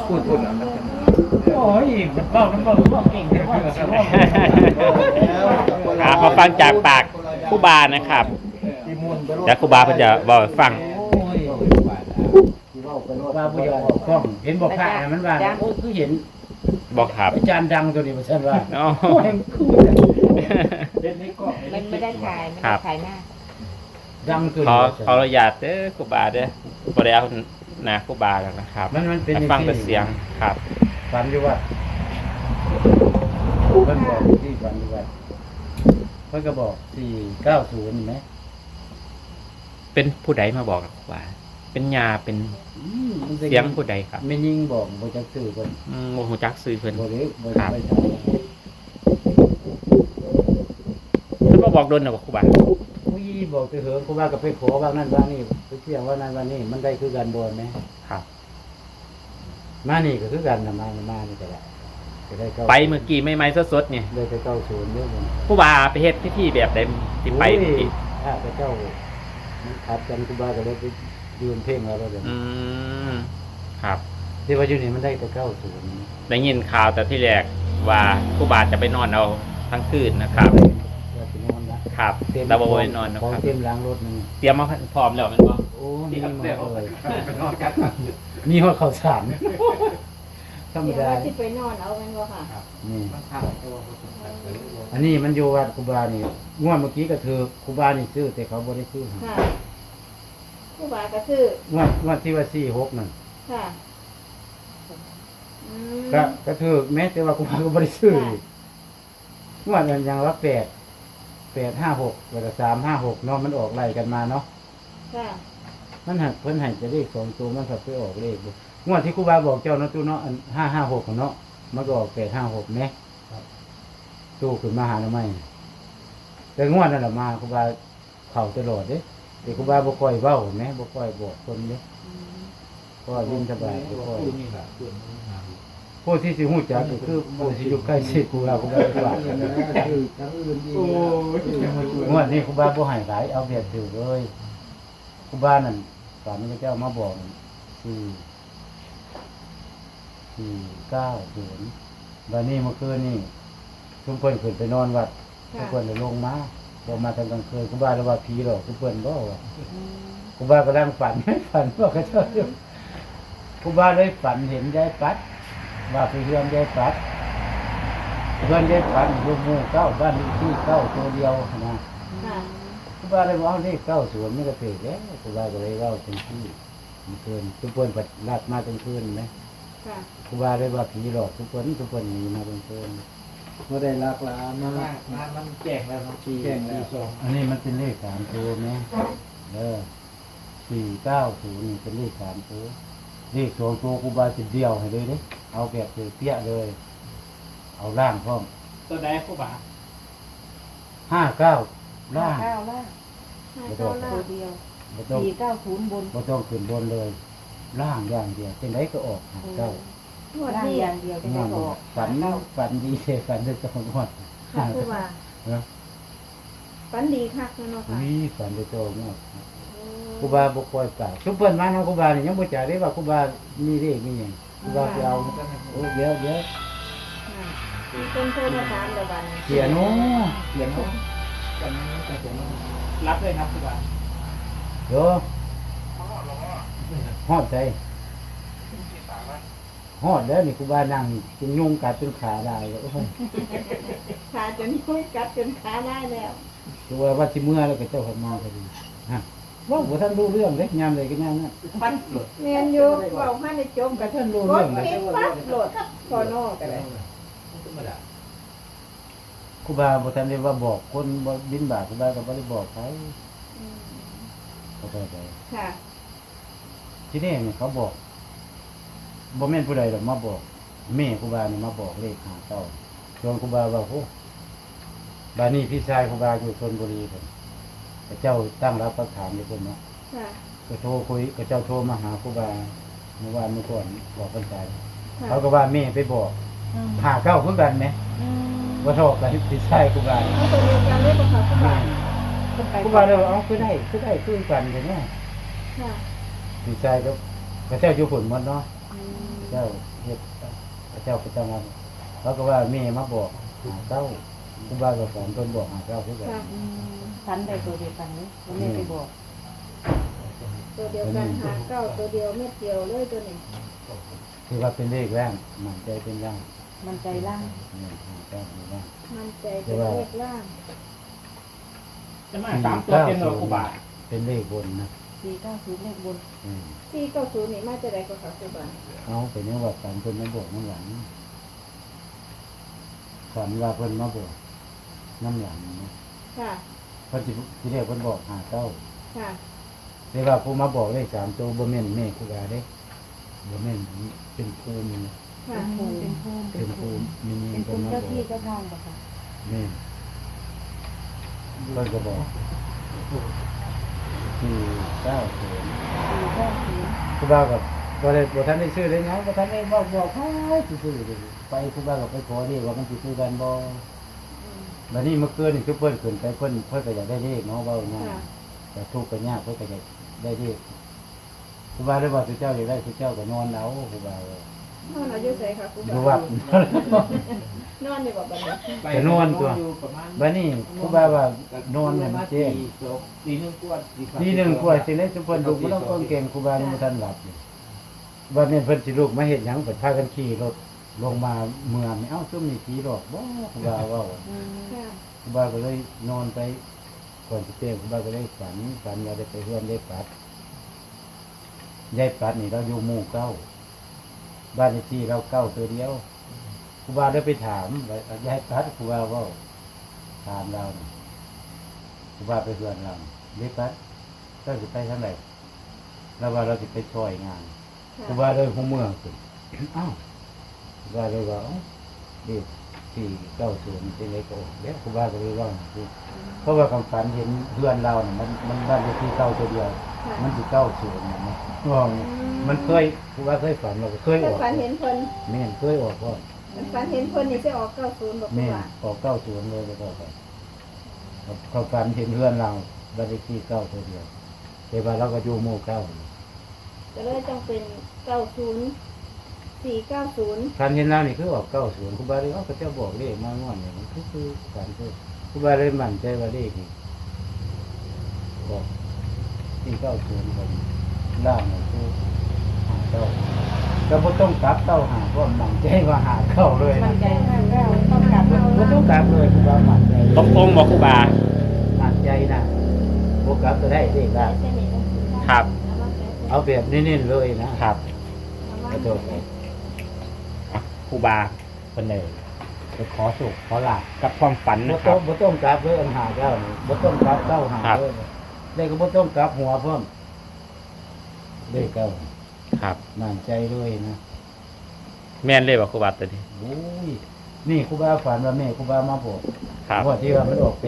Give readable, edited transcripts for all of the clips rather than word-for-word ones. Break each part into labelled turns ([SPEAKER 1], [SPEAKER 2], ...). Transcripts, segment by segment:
[SPEAKER 1] พูดโอ้ยมันเบ้าน้ำเบ้าเก่งเลยว่า
[SPEAKER 2] มาฟังจากปากครูบานะครับจากครูบาเพิ่นจะบอกให้ฟัง
[SPEAKER 1] ว่าบุญยออกกล้องเห็นบอกพระมันว่าโอ้คือเห็น
[SPEAKER 2] บอกครับ
[SPEAKER 1] อาจารย์ดังตัวนี้มาเช่นว่า
[SPEAKER 2] อ๋อ
[SPEAKER 1] โอ้ยคือเห็นในกล้อง
[SPEAKER 3] มันไม่ได้ถ่ายไม่ได้ถ่ายหน้า
[SPEAKER 1] ดังตัว
[SPEAKER 2] ขอ
[SPEAKER 1] นี้
[SPEAKER 2] ขออนุญาตเด้อครูบาเด้อบ่ได้เอาหน้าครูบาแล้วนะครับ
[SPEAKER 1] มันเป็น
[SPEAKER 2] ให้ฟังแต่เสียงครับ
[SPEAKER 1] ฝันอยู่ว่าเพิ่นบอกที่ฝันอยู่ว่าเพิ่นก็บอก490ไหม
[SPEAKER 2] เป็นผู้ใดมาบอกกับครูบาเป็นยาเป็นเสียงผู้ใดครับ
[SPEAKER 1] ไม่ยิ่งบอกบ่จักซื้อเพิ่น
[SPEAKER 2] โมโหจักซื้อเพิ่น
[SPEAKER 1] บ่ได้บ่
[SPEAKER 2] ครั
[SPEAKER 1] ได้
[SPEAKER 2] บ
[SPEAKER 1] ไปทำ
[SPEAKER 2] เพิ่นมาบอกโดนน่ะบ่ครูบา
[SPEAKER 1] ผู้ยี่บอกไปเหิงเพราะว่าก็ไปขอว่านั่นว่านี่ไปเที่ยวว่านั่นว่านี่มันได้คือกันบ่ไหม
[SPEAKER 2] ครับ
[SPEAKER 1] มานี่ก็คือกันนะมานี่ก็ได้ก็ได้เข้า
[SPEAKER 2] ไปเมื่อกี้ใหม่ๆสดๆเนี่ย
[SPEAKER 1] เลยไปเข้าศูนย์เยอะเลย
[SPEAKER 2] ครูบาไปเฮ็ดพิธีแบบใดที่ไปเมื่อกี้
[SPEAKER 1] ถ้าไปเจ้ามันขัดกันครูบาก็เลยไปยืนเพ่งแล้วเดี๋ยว
[SPEAKER 2] อืมครับ
[SPEAKER 1] ที่ว่าอยู่นี่มันได้ไปเข้าศูนย์
[SPEAKER 2] ได้ยินข่าวแต่ที่แรกว่าครูบาจะไปนอนเอาทั้งคืนนะครับ
[SPEAKER 1] ว่าสินอนนะครับ
[SPEAKER 2] แต่บ่ไปนอนนะ
[SPEAKER 1] ของ
[SPEAKER 2] ครับ
[SPEAKER 1] เต็มล้างรถนี่
[SPEAKER 2] เตรียมมาพร้อมแล้วแมันบ่
[SPEAKER 1] โอ้นี่มาเลยมีหัวข้าวสารธรรม
[SPEAKER 3] เดี๋ยว
[SPEAKER 1] ดา
[SPEAKER 3] ว่าที่ไปนอนเอาเป็นว่าค่ะ
[SPEAKER 1] นี่อันนี้มันอยู่วัดครูบานี่งวดเมื่อกี้ก็ถือครูบานี่ซื้อแต่เขาบ่ได้ซื้อให้
[SPEAKER 3] ค่ะผู้บ่าวก็คือ
[SPEAKER 1] งวดที่ว่า46นั่น
[SPEAKER 3] ค่ะอืม
[SPEAKER 1] ก็ถือแม้แต่ว่าครูบาก็บ่ได้ซื้ออีกงวดนั้นยังว่า856แล้วก็356เนาะมันออกไล่กันมาเนาะ
[SPEAKER 3] ค่ะ
[SPEAKER 1] มันหักเพิ่นให้จะเลข2ตัวมันก็ไปออกเลขบ่งวดที่ครูบาบอกเจ้าเนาะตู้เนาะอัน556เนาะมันก็ออก856แหมตู้ขึ้นมาหาหน่อไม้แต่งวดนั่นล่ะมาครูบาเข้าตลอดเด้แต่ครูบาบ่ค่อยเว้าแหมบ่ค่อยบอกคนเด้
[SPEAKER 3] อืม
[SPEAKER 1] ก็ยิ้มสบายบ่ค่อยผู้ที่สิฮู้จักก็คือผู้ที่อยู่ใกล้ชิดครูบาครูบาก็ว่างวดนี้ครูบาบ่ให้หลายเอาแบบถือเลยครูบานั่นฝันพระเจ้ามาบอก490บัดนี้เมื่อคืนนี่ทุกเพิ่นขึ้นไปนอนวัดทุกเพิ่นได้ลงมาลงมาตอนกลางคืนครูบาเลยว่าผีหรอกทุกเพิ่นบ่ว่า
[SPEAKER 3] อืม
[SPEAKER 1] ครูบากำลังฝัน ฝันว่าเขาเจ้าอยู่ครูบาเลยฝันเห็นยายปัดว่าไปเฮือนยายปัดเฮือนยายปัดอยู่หมู่9บ้านเลขที่9ตัวเดียวนะ
[SPEAKER 3] ค่ะ
[SPEAKER 1] ครูบาเลยว่าเลข9สวนมันก็ถูกแล้วครูบาก็เลยเว้าเป็นที่มันเกินทุกคนปัดลาดมาเป็นคืนไหม
[SPEAKER 3] ค่ะ
[SPEAKER 1] ครูบาเลยว่าผีหลอกทุกคนหนีมาเป็นคืน
[SPEAKER 4] ไม่ได้รักลามามันแจ้งแล้วครับแจ้งแล้ว
[SPEAKER 1] อันนี้มันเป็นเลข3ตัวไหม490นี่เป็นเลข3ตัวเลข2ตัวครูบาสิเดียวให้เลยเด้เอาแบบเปี้ยเลย เอาล่างพร้อม
[SPEAKER 2] ตัวใดครูบา
[SPEAKER 1] 59ล่าง
[SPEAKER 3] 9ล่าง5 9ล่างตัวเดียว
[SPEAKER 1] บ่ต้อง
[SPEAKER 3] 490บน
[SPEAKER 1] บ่ต้องขึ้นบนเลย ล่างอย่างเดียวเป็นไรก็ออกเก้า
[SPEAKER 3] หมดนี่อย่างเดียวจะ
[SPEAKER 1] ง
[SPEAKER 3] ได้
[SPEAKER 1] วด
[SPEAKER 3] ออก
[SPEAKER 1] ฝันดีฝันจะต้องงวด
[SPEAKER 3] ค่ะผู้บ่าว
[SPEAKER 1] นะ
[SPEAKER 3] ฝันดีคักเนาะค่ะ
[SPEAKER 1] มีฝันจะต้องงวดครูบาบ่ปล่อยปากซุปเปิ้นมาเนาะครูบานี่ยังบ่จ่ายได้ว่าครูบามีเลขมีหยังครูบาไปเอาโอ้เดี๋ยว
[SPEAKER 3] ค่ะมีคนโทรมาถามเดี๋ยววัน
[SPEAKER 1] เขียนโน้
[SPEAKER 4] เขียนเขากันแต่ผม
[SPEAKER 2] รับเลยครับครูบา
[SPEAKER 1] เดี๋ยวฮอดใจฮอดแล้วนี่ครูบานั่งจนยุงกัดจนขาได้แล้วโอ้ย
[SPEAKER 3] ขาจนคุยกัดจนขาได้แล้ว
[SPEAKER 1] ตัวว่าสิเมื่อแล้วก็เจ้าขมาพอดีฮะว่าบ่ทันรู้เรื่องเด้ยามใดก็ยามนั้น
[SPEAKER 2] ฟันหลุด
[SPEAKER 3] เรียนอยู่เว้าให้ในจม
[SPEAKER 1] ก็
[SPEAKER 3] กับ
[SPEAKER 1] ท่านรู้
[SPEAKER 3] ร
[SPEAKER 1] เรื่อ
[SPEAKER 3] ถ
[SPEAKER 1] งเลย
[SPEAKER 3] เก็บปั๊บโหลดพอนอกกันเลย
[SPEAKER 1] ครูบาบ่ทันได้ว่าบอกคนบ่บินบาตครูบาก็บ่ได้บอกใคร
[SPEAKER 3] อืม
[SPEAKER 1] เข้าใจไป
[SPEAKER 3] ค่ะ
[SPEAKER 1] ทีนี้เนี่ยเขาบอกบ่แม่นผู้ใดดอกมาบอกแม่ครูบานี่มาบอกเลขหาเต้าชวนครูบาว่าโอ้บาดนี้พี่ชายครูบาอยู่ชลบุรีเพิ่นพระเจ้าตั้งรับประทานอยู่เพิ่นเนาะ
[SPEAKER 3] ค่ะ
[SPEAKER 1] ก็โทรคุยกับเจ้าโทรมาหาครูบาเมื่อวานเมื่อก่อนบอกกันใจ
[SPEAKER 3] ค่ะ
[SPEAKER 1] เขาก็ว่าแม่ไปบอก
[SPEAKER 3] อืม
[SPEAKER 1] หาเก้าคือกันไหม
[SPEAKER 3] อืม
[SPEAKER 1] ว่าโทษกันพี่ชายครูบา
[SPEAKER 3] เอาตัวเดียวกันเลยบ่ค่ะผู้บ่าว
[SPEAKER 1] ครูบาเลยว่าเอาคือได้คือกันแต่เนี่ย
[SPEAKER 3] ค่ะ
[SPEAKER 1] พี่ชายก็พระเจ้าอยู่ผลหมดเนาะ
[SPEAKER 3] อืม
[SPEAKER 1] เจ้าเฮฮ็ดพระเจ้าก็ต้องมาเขาก็ว่าแม่มาบอกหาเก้าครูบาก็สอนเพิ่นบอกหาเก้าคือกัน
[SPEAKER 3] ค่ะ
[SPEAKER 5] ฟันได้ตัวเดียวกันนี้มันไม่ไปบอก
[SPEAKER 3] ตัวเดียวกันหาเก้าตัวเดียวเม็ดเดียวเลยตัวนี้
[SPEAKER 1] คือว่าเป็นเลขแรงมันใจเป็นร่าง
[SPEAKER 5] มันใจล่าง
[SPEAKER 1] เนี่ยหาเก้าเป็นร่าง
[SPEAKER 3] มันใจเป็นเลขล่าง
[SPEAKER 2] จะมา3ตัวเป็นหน่วยครูบา
[SPEAKER 1] เป็นเลขบนนะ
[SPEAKER 5] 490เลขบน
[SPEAKER 1] อืม
[SPEAKER 3] 490นี่มาจะได้ก็ค่ะครูบา
[SPEAKER 1] เอาไปเนี่ยว่าฝันเพิ่นมาบอกน้ำหลังฝันว่าเพิ่นมาบอกน้ำหลังนะ
[SPEAKER 3] ค่ะ
[SPEAKER 1] เพิ่นสิเรียกเพิ่นบอกหาเก้า
[SPEAKER 3] ค่ะ
[SPEAKER 1] แต่ว่าผู้มาบอกได้3ตัวบ่แม่นแม่ครูบาเด้บ่แม่นเป็นภูมินะ
[SPEAKER 3] ค่ะ
[SPEAKER 5] เป็นภูมิ
[SPEAKER 1] เป็นภูมิมี
[SPEAKER 5] เป็น
[SPEAKER 1] เพิ่
[SPEAKER 5] ภู
[SPEAKER 1] น
[SPEAKER 5] มิ
[SPEAKER 1] มาบ
[SPEAKER 5] เจ้า
[SPEAKER 1] อก
[SPEAKER 5] ที่เจ้าทางบ่ค่ะ
[SPEAKER 1] แม่นเพิ่นก็บอก490
[SPEAKER 5] 490
[SPEAKER 1] ครูบากับบ่ทันได้ซื้อเลยนะบ่ทันได้บอกให้ซื้อเลยไปครูบาก็ไปขอเรียกว่ามันสิซื้อกันบ่บัดนี้เมื่อคืนนี่คือเพิ่นขึ้นไปเพิ่นก็อยากได้เลขเนาะเว้าง่าย
[SPEAKER 3] ค่ะ
[SPEAKER 1] แต่ทุกข์ก็ยากเพิ่นก็อยากได้เลขครูบาเลยว่าสุเจ้าอยากได้สุเจ้าก็นอนเอาครูบาว่าน
[SPEAKER 3] อนอายุใส่ค่ะครู
[SPEAKER 1] อยู่
[SPEAKER 3] บา
[SPEAKER 1] วัด
[SPEAKER 3] นอนอยู่บ่บัดนี้
[SPEAKER 1] จะนอนตัวบัดนี้ครูบาว่านอนเนี่ยมันแจ้ง
[SPEAKER 4] ตีหนึ่งกวด
[SPEAKER 1] ทีหนึงกว่าสิเล่นสุเพิ่นลูกบ่ต้องเก่งครูบายังบ่ทันหลับอยู่บัดนี้เพิ่นสิลูกมาเฮ็ดหยังเพิ่นพากันขี่รถลงมาเมืองนี่เอ้าซุ่มนี่ผีหลอกบ่ครูบาเว้า
[SPEAKER 5] อืม
[SPEAKER 3] ค่ะ
[SPEAKER 1] ครูบาก็เลยนอนไปก่อนสิเต้งครูบาก็เลยฝันว่าได้ไปเฮือนได้ปัดยายปัดนี่เราอยู่หมู่เก้าบ้านเลขที่เราเก้าตัวเดียวครูบาได้ไปถามว่ายายปัดครูบาเว่าถามเรานี่ครูบาไปเฮือนเรายายปัดเราสิไปทางไหนเราว่าเราสิไปช่วยงานครูบาเลยหัวเมืองขึ้น อ้าวครูบาเลยว่าเอ้าเด็ก490เป็นไรก็ออกแล้วครูบาก็เลยว่าคือเพราะว่าคำฝันเห็นเพื่อนเราเนี่ยมันบ้านเลขที่เก้าตัวเดียว
[SPEAKER 3] ค่ะ
[SPEAKER 1] มันสิ90นะว่ามันเคยครูบาเคยฝันเราก็เคยอ
[SPEAKER 3] แต่
[SPEAKER 1] อก
[SPEAKER 3] ฝันเห็นเพิ่น
[SPEAKER 1] แม่นเคยออกก่อน
[SPEAKER 3] ฝันเห็นเพิ่นนี่สิออก90บ่ครู
[SPEAKER 1] แม่น
[SPEAKER 3] บา
[SPEAKER 1] ออก90เลยก็ไปเขาฝันเห็นเพื่อนเราบ้านเลขที่เก้าตัวเดียวแต่ว่าเราก็อยู่หมู่เก้า
[SPEAKER 3] ก็เลยต้องเป็น90 490
[SPEAKER 1] ฝันเห็นเรานี่คือออก90ครูบาเลยเขาเจ้าบอกเลขมางอนเนี่ยมันคือฝันคือครูบาเลยมั่นใจว่าเลขนี่บอก490คนล่างนี่คือหาเก้าก็บ่ต้องกลับเก้าหาเพราะมั่นใจว่าหาเก้าเลย
[SPEAKER 5] มั
[SPEAKER 1] นะ
[SPEAKER 5] นใจ59ต้องกลับ
[SPEAKER 1] บ่ต้องกลับเลยครูบามั่นใจ
[SPEAKER 2] ตรงบอกครูบา
[SPEAKER 1] มั่นใจนะบ่กลับก็ได้เลขได้
[SPEAKER 3] ใช่ไหม
[SPEAKER 2] ครับ
[SPEAKER 1] เอาแบบเน้นๆเลยนะครับ กระโดดไป
[SPEAKER 2] ครูบาคนเลยไปขอสุขขอลาบกับความฝัน
[SPEAKER 1] บ่
[SPEAKER 2] นะค
[SPEAKER 1] ต้
[SPEAKER 2] รั
[SPEAKER 1] อบ งบ่ต้องกลับเลยอันหาเก้านี่บ่ต้องกลับเก้าหา
[SPEAKER 2] ครับ
[SPEAKER 1] เลยเลขก็บ่ต้องกลับหัวพร้อมเลขเก้า
[SPEAKER 2] ครับ
[SPEAKER 1] มั่นใจเลยนะ
[SPEAKER 2] แม่นเลยบอกครูบาตัวนี้
[SPEAKER 1] โอ้ยนี่ครูบาฝันว่าแม่ครูบามาบอก
[SPEAKER 2] ครับ
[SPEAKER 1] ว่าที่ว่ามันออก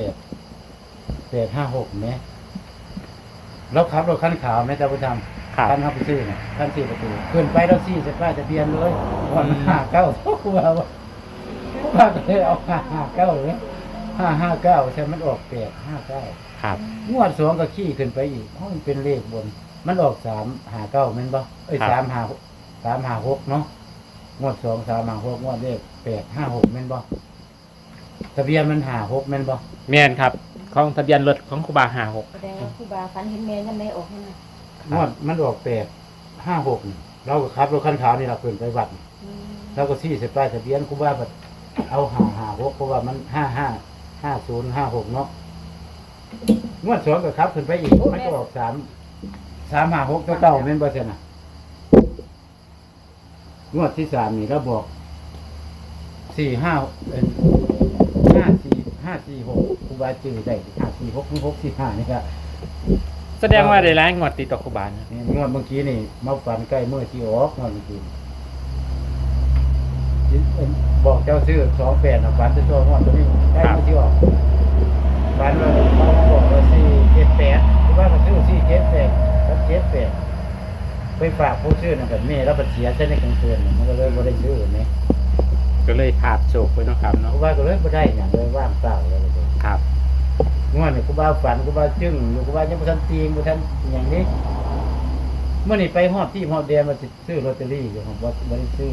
[SPEAKER 1] 856แหมเราขับรถคันขาวแม่ตาบ่ทำ
[SPEAKER 2] ครับ
[SPEAKER 1] คันเฮาไปซื้อน่ะคัน4ประตูขึ้นไปแล้ว4จะป้ายทะเบียนเลยว่ามันหาเก้าครูบาว่าครูบาก็เลยเอา559เลย559ใช่มันออก859
[SPEAKER 2] ครับ
[SPEAKER 1] งวดสองก็ขี้ขึ้นไปอีกเพราะมันเป็นเลขบน มันออก359แม่นบ่เอ้ย
[SPEAKER 2] ครับ
[SPEAKER 1] 356เนาะงวด2 356งวดเลข856แม่นบ่ทะเบียนมัน56แม่นบ่
[SPEAKER 2] แม่นครับของทะเบียนรถของครูบา56
[SPEAKER 5] แสดงว่าครูบาฝันเห็นแม่นั่นแม่ออกให้นะ
[SPEAKER 1] งวดมันออก856นี่เราก็ขับรถคันขาวนี่ล่ะขึ้นไปวัดนี่
[SPEAKER 5] อืม
[SPEAKER 1] เราก็ชี้ใส่ป้ายทะเบียนครูบาบัดเอา556เพราะว่ามัน5056เนาะงวดสองก็ขับขึ้นไปอีกมันก็ออก356ตัวเก่าแม่นบ่ซั่นน่ะงวดที่3นี่เราบอก546ครูบาจื้อได้546หรือ645นี่ก็
[SPEAKER 2] แสดงว่าได้ร้ายงวดติดต่อครูบานะ
[SPEAKER 1] นี่งวดเมื่อกี้นี่มาฝันใกล้เมื่อที่ออกงวดเมื่อกี้บอกเจ้าซื้อ28นะฝันจะตัวงวดตัวนี้ใกล้เมื่อที่ออกฝันว่าเขาบอกว่า478ครูบาก็ซื้อ478กับ78ไปฝากผู้ซื้อนั่นก็แม่แล้วก็เสียใช้ในกลางคืนมันก็เลยบ่ได้ซื้อแหม
[SPEAKER 2] ก็เลยขาดโศกไปเนาะครับ
[SPEAKER 1] ค
[SPEAKER 2] เนาะ
[SPEAKER 1] รูบาก็เลยบ่ได้หยังเลยว่างเปล่าเลย
[SPEAKER 2] ครับ
[SPEAKER 1] งวดนี่ครูบาฝันครูบาจึ้งอยู่ครูบายังบ่ทันตีงบ่ทันหยังนี้เมื่อนี่ไปฮอดที่ฮอดแดนมาสิซื้อลอตเตอรี่อยู่ผมว่าบ่ได้ซื้อ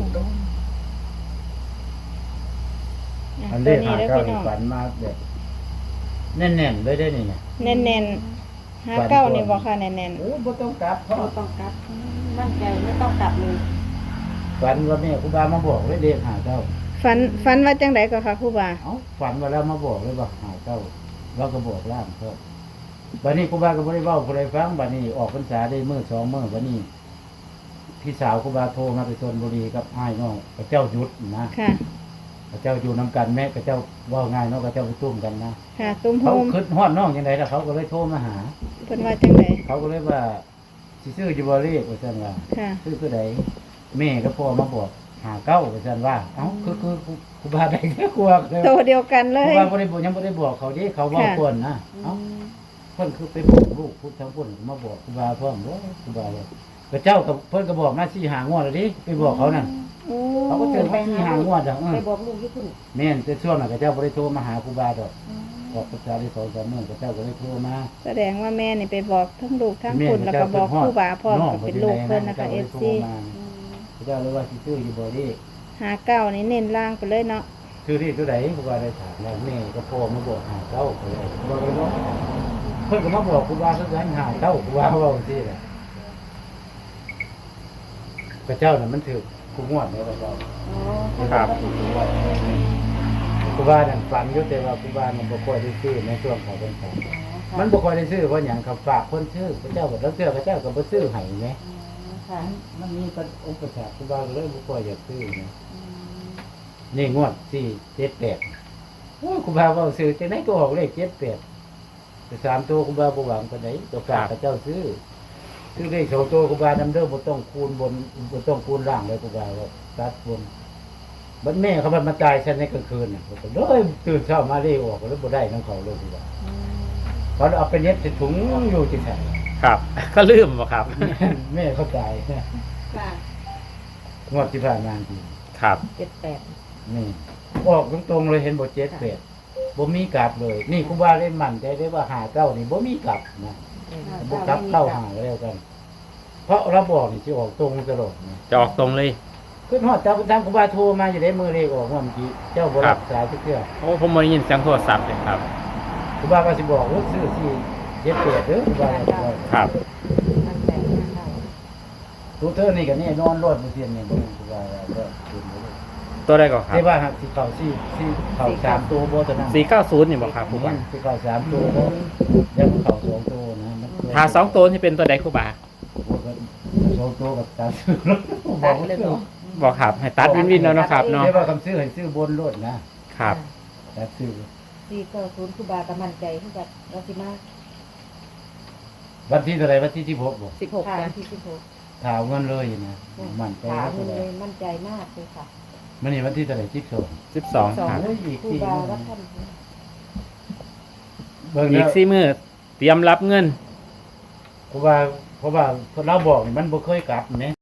[SPEAKER 1] อัน
[SPEAKER 3] ตั
[SPEAKER 1] เล
[SPEAKER 3] ว
[SPEAKER 1] ข
[SPEAKER 3] นี้
[SPEAKER 1] หา
[SPEAKER 3] เด้อ
[SPEAKER 1] เก้า
[SPEAKER 3] พี่
[SPEAKER 1] นี่
[SPEAKER 3] น้อง
[SPEAKER 1] ฝันมาแบบแน่นๆเลยได้นี่เนี่ย
[SPEAKER 3] แน่นๆ59นี่บ่ค่ะแน่น
[SPEAKER 1] โอ้บ่ต้องกลับเพราะ
[SPEAKER 5] ไม่ต้องกลับมั่นใจไม่ต้องกลับเลย
[SPEAKER 1] ฝันว่าแม่ครูบามาบอกเลยเด็กหาเก้า
[SPEAKER 3] ๆฝันว่าจังไดก็ค่ะครูบา
[SPEAKER 1] เอ้าฝันว่าแล้วมาบอกเลยว่าหาเก้าเราก็บอกล่ามเขาบัดนี้ครูบาก็บ่ได้เว้าผู้ใดฟังบัดนี้ออกพรรษาได้มื้อ2มื้อบัดนี้พี่สาวครูบาโทรมาไปชลบุรีกับอ้ายน้องกับเจ้าหยุดนะ
[SPEAKER 3] ค่ะ
[SPEAKER 1] กับเจ้าอยู่นํกันแม่กับเจ้าเว้าง่ายเนาะกับเจ้าไปตุ้มกันนะ
[SPEAKER 3] ค่ะตุ้มโฮ
[SPEAKER 1] เขา
[SPEAKER 3] ม
[SPEAKER 1] คิดฮอดน้องจังไดล่ะเขาก็เลยโทรมาหา
[SPEAKER 3] เพิ่นว่าจังได
[SPEAKER 1] เขาก็เลยว่าสิซื้ออยู่บ่เลขว่าซั่นว่า
[SPEAKER 3] ค่ะ
[SPEAKER 1] ซื้อตัวใดแม่กับพ่อมาบอกหาเก้าว่าซั่นว่าเอ้าคือครูบาได้แค่กลัวเลย
[SPEAKER 3] โตเดียวกันเล
[SPEAKER 1] ครู
[SPEAKER 3] ย
[SPEAKER 1] บาบ่ได้บอกยังบ่ได้บอกเขาเด้เขาเว้า
[SPEAKER 3] ค่ะ
[SPEAKER 1] ก่อนนะเอ้าเพิ่นคือไปบอกลูกพุทธทั้งพุ่นมาบอกครูบาพร้อมบ่ครูบาว่าก็เจ้ากับเพิ่นก็บอกมา4 5งวดแล้วดิไปบอกเขานั่น
[SPEAKER 3] โอ้
[SPEAKER 1] เขาก็เจอมา4 5งวดอ่ะ
[SPEAKER 5] ไปบอกลูกที่คุณ
[SPEAKER 1] แม่นแต่ช่วงนั้นก็เจ้าบ่ได้โทรมาหาครูบาดอกออกพรรษาได้2-3มื้อก็เจ้าก็เลยโทรมา
[SPEAKER 3] แสดงว่าแม่นี่ไปบอกทั้งลูกทั้งคุณแล้วก็บอกครูบาพร้อมกับเป็นลูกเพิ่นนะคะ FC
[SPEAKER 1] เจ้าเลยว่าสิซื้ออยู่บ่ดิ
[SPEAKER 3] 59นี่เน้นล่างไปเลยเนาะ
[SPEAKER 1] ซื้อที่ตัวไหนครูบาได้ถามแล้วแม่ก็พ่อมาบอกหาเก้าไปเลยครูบาก็เลยบอกเพิ่นก็มาบอกครูบาคือกันหาเก้าครูบาเว้าซี่แหละพระเจ้าน่ะมันถูกกูงวดแล้วก็
[SPEAKER 2] ครับ
[SPEAKER 1] ครูบานั่นฝันอยู่แต่ว่าครูบามันบ่ค่อยได้ซื้อในช่วงของพรรษามันบ่ค่อยได้ซื้อเพราะหยังเขาฝากคนซื้อพระเจ้าก็แล้วเสื้อพระเจ้าก็บ่ซื้อให้แหม
[SPEAKER 5] ค่ะ
[SPEAKER 1] มันมีอุปสรรคครูบาก็เลยบ่ค่อยอยากซื้อนะนี่งวด478โอ้ยครูบาเว้าซื้อจังได๋ก็ออกเลข78แต่3ตัวครูบาบ่หวังปานใดตัวฝากพระเจ้าซื้อเลข2ตัวครูบานำเด้อบ่ต้องคูณบนบ่ต้องคูณล่างเลยครูบาว่าตัดบนบัดแม่เขาบัดมาตายฉันในกลางคืนน่ะก็เลยตื่นเช้ามาเลขออกก็เลยบ่ได้นำเขาเลยครูบาเขาเอาไปเน็บใส่ถุงอยู่จังซั่น
[SPEAKER 2] ครับ ก็ลืมบ่ครับ
[SPEAKER 1] แม่เขาตาย
[SPEAKER 5] ค่ะ
[SPEAKER 1] งวดที่ผ่านมาจริง
[SPEAKER 2] ครับ
[SPEAKER 5] 78
[SPEAKER 1] นี่ออกตรงๆเลยเห็นบ่7 8บ่มีกลับเลย นี่ครูบาเลยมั่นใจได้ว่า5 9นี่บ่มีกลับนะบ่กลับเข้าหาแล้วกัน เพราะเราบอกนี่สิออกตรงตลอดนะ
[SPEAKER 2] จะออกตรงเลย
[SPEAKER 1] ขึ้นฮอดตามครูบาโทรมาอยู่ได้มือเลขออกว่าเมื่อกี้เจ้าบ่รับสายทุกเทื่อ
[SPEAKER 2] โอ้ผมบ่ได้ยินเสียงโทรศัพท์เลยครับ
[SPEAKER 1] ครูบาก็สิบอกว่าซื้อที่7 8เด้อครูบาก็บอก
[SPEAKER 2] ครับ
[SPEAKER 5] มั่นใจมากค่ะ
[SPEAKER 1] ตัวเธอนี่ก็แน่นอนรอดบ่เสียนนี่บ่ครูบาว่าก็ขึ้นไปเลย
[SPEAKER 2] ตัวได้ก็ครับ
[SPEAKER 1] แต่ว่าหากสิเข้าสี่เข้า3ตัวบ่เท่านั้น
[SPEAKER 2] 490นี่บ่ครับครูบา
[SPEAKER 1] สิเข้า3ตัวบ่ยังเข้า2ตัวนะมัน
[SPEAKER 2] ถ้า2ตัวนี่เป็นตัวใดครูบา
[SPEAKER 1] 2ตัวกับตัดซื้อ
[SPEAKER 5] ตัดเลยบ่
[SPEAKER 2] บอกครับ ให้ตัดวินๆแล้วเนาะครับเนาะ
[SPEAKER 1] แต่ว่าคำซื้อให้ซื้อบนรถนะครับ ตัดซื้อ
[SPEAKER 5] 490ครูบาก็มั่นใจคือกับเราสิมา
[SPEAKER 1] วันที่เท่าไหร่วันที่16บ่
[SPEAKER 5] 16ค่ะที่16
[SPEAKER 1] ถามเงินเลยนะมันใจ
[SPEAKER 5] ถาม
[SPEAKER 1] เท่าไห
[SPEAKER 5] เล
[SPEAKER 1] ร่
[SPEAKER 5] ยมั่นใจมากเลยค่ะ
[SPEAKER 1] มันนี่วันที่เท่าไหร่12
[SPEAKER 2] 12ครับ
[SPEAKER 1] โอ้ยอีก
[SPEAKER 5] ครู
[SPEAKER 1] 4
[SPEAKER 5] บา
[SPEAKER 1] มื้อ
[SPEAKER 5] วัดท่าน
[SPEAKER 1] เบิ่ง
[SPEAKER 2] อี
[SPEAKER 1] แล้
[SPEAKER 2] ก
[SPEAKER 1] ว
[SPEAKER 2] 4มื้อเตรียมรับเงิน
[SPEAKER 1] เพราะว่าเราบอกนี่มันบ่เคยกลับแหม